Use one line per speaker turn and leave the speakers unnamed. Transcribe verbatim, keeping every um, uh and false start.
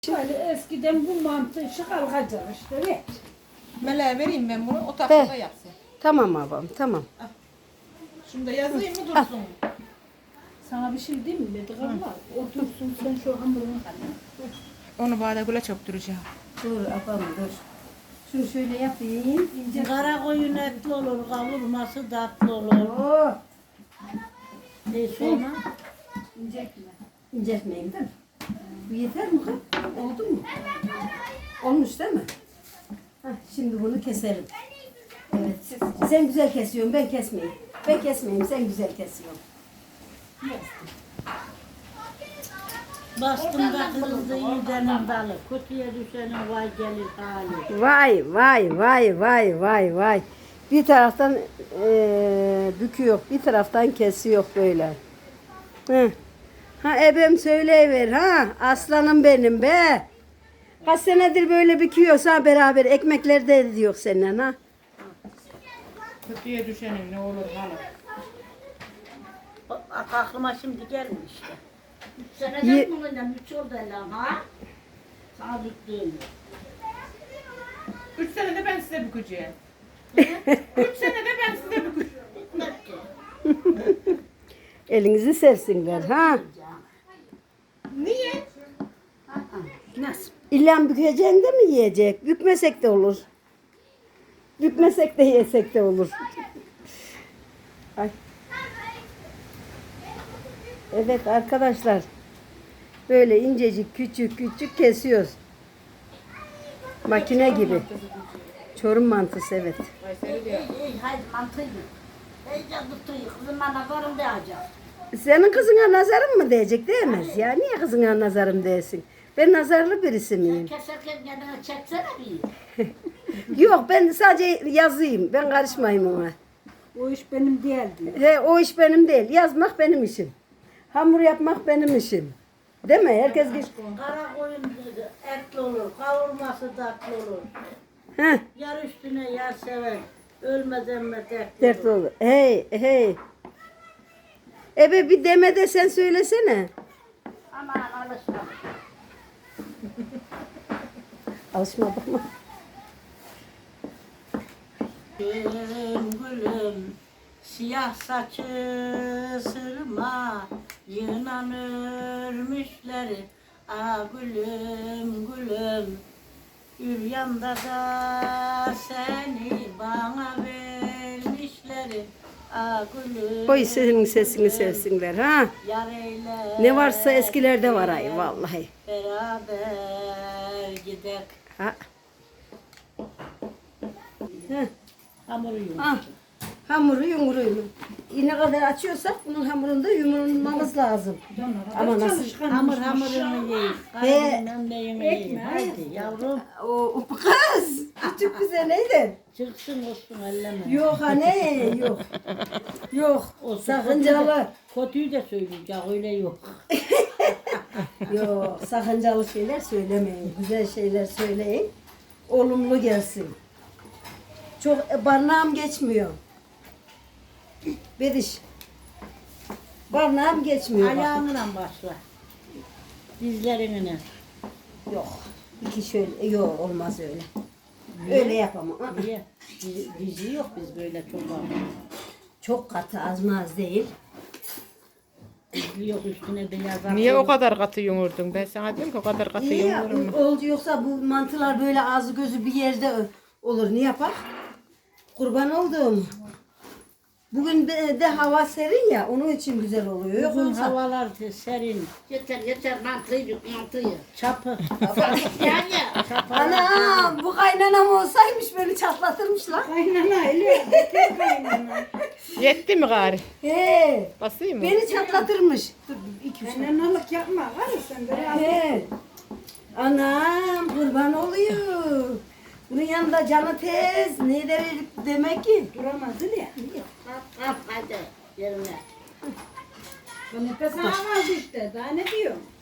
Şöyle eskiden bu mantı işi kalkacak işte. Ver.
Meleğe vereyim ben bunu, o tahtada
He.
yapsın.
Tamam babam tamam.
Şunu da yazayım mı dursun?
Sana bir şey diyeyim mi? Dedi Allah. Otursun sen şu hamurunu kalın.
Onu bana güle çöktüreceğim.
Dur abam dur. Şunu şöyle yapayım. İnce.
Kara koyun etli olur, kavurması tatlı olur.
Oh.
E sonra
İncekme.
İnceltmeyin değil mi? Bu yeter mi kız? Oldu mu? Olmuş değil mi? Heh, şimdi bunu keselim. Evet. Sen güzel kesiyorsun, ben kesmeyeyim. Ben kesmeyeyim, sen güzel kesiyorsun.
bastığında kırıldı yiğidenin dalı. Kötüye düşenin vay gelir hali.
Vay vay vay vay vay vay. Bir taraftan eee büküyor, bir taraftan kesiyor böyle. Hı. Ha ebem söyleyiver ha. Aslanım benim be. Kaç senedir böyle büküyorsa beraber ekmekleri de ediyor seninle ha.
Kötüye düşenin ne olur hala.
O- Aklıma şimdi gelmiş işte. Üç
Ye-
seneden bununla üç oldu lan ha. Sağlık değil.
Üç senede ben size bükeceğim. Üç senede ben size bükeceğim.
Bitmek ki.
Elinizi sevsinler ha.
Niye?
Nasıl?
İlla bükeceksin de mi yiyecek? Bükmesek de olur. Bükmesek de yesek de olur. Ay. Evet arkadaşlar. Böyle incecik küçük küçük kesiyoruz. Makine gibi. Çorum mantısı evet.
Ey ey haydi mantıyı. Ey canım tutuyor. Kızıma nazarım değecek.
Senin kızına nazarım mı diyecek değmez ya. Niye kızına nazarım değsin? Ben nazarlı birisi miyim?
Keserken kendine çeksene bir.
Yok ben sadece yazayım. Ben karışmayayım ona.
O iş benim değildi.
He, o iş benim değil. Yazmak benim işim. Hamur yapmak benim işim. Değil mi? Herkes geç.
Kara koyun etli olur, kavurması tatlı olur.
Heh,
Yar üstüne yar sever, ölmeden mi dert
dert
olur.
olur. Hey, hey. Ebe bir deme de sen söylesene.
Aman alışma.
Alışmadık mı?
Gülüm gülüm, siyah saçı sırma, yınan örmüşleri. Ah gülüm gülüm, Üryanda da seni bana vermişleri. Ah gülüm.
Koy senin sesini sevsinler ha.
Yar eyle.
Ne varsa eskilerde var ay vallahi.
Beraber gidek.
Ha. Heh.
Hamuru yum.
Ah, hamuru yumruğunu. Ne kadar açıyorsak bunun hamurunu da yumurmamız lazım. Ama nasıl?
Hamur hamurunu yiyin.
He.
Kaynının neyini yiyin. Haydi yavrum.
O, o kız. Küçük bize neydi?
Çıksın olsun elleme.
Yok anne yok. Yok.
Olsun,
Sakıncalı.
Kötüyü de söyleyecek öyle yok.
Yok sakıncalı şeyler söylemeyin. Güzel şeyler söyleyin. Olumlu gelsin. Çok e, barnağım geçmiyor. Bediş. Barnağım geçmiyor. bak.
Ayağınla başla. Dizlerine.
Yok. İki şöyle. e, Yok olmaz öyle. Öyle yapamam. Aa,
Niye? Dizi, dizi yok biz böyle çok var.
çok katı az mı az değil.
Dizi yok üstüne beyaz at.
Niye o kadar katı yumurdun? Ben sana diyorum ki o kadar katı
İyi ya,
yumurum.
oldu yoksa bu mantılar böyle ağzı gözü bir yerde olur. Ne yapar? Kurban oldum. Bugün de, de hava serin ya onun için güzel oluyor. Yok
Bugün
olsa
havalar serin. Yeter yeter mantıyı mantıyı. Çapı. yani. Çapı.
ana bu kaynanam olsaymış beni çatlatırmış lan.
Kaynana öyle. Bekir kaynana.
Yetti mi gari?
He,
Basayım mı?
beni çatlatırmış. Dur iki üç.
Kaynanalık yapma. Var ya sen de.
He. Anam kurban oluyor. Bunun yanında canı tez. Ne der demek ki?
Duramadı ya.
Kalk kalk hadi yerine.
Bu nefes alamaz işte. Daha ne diyor?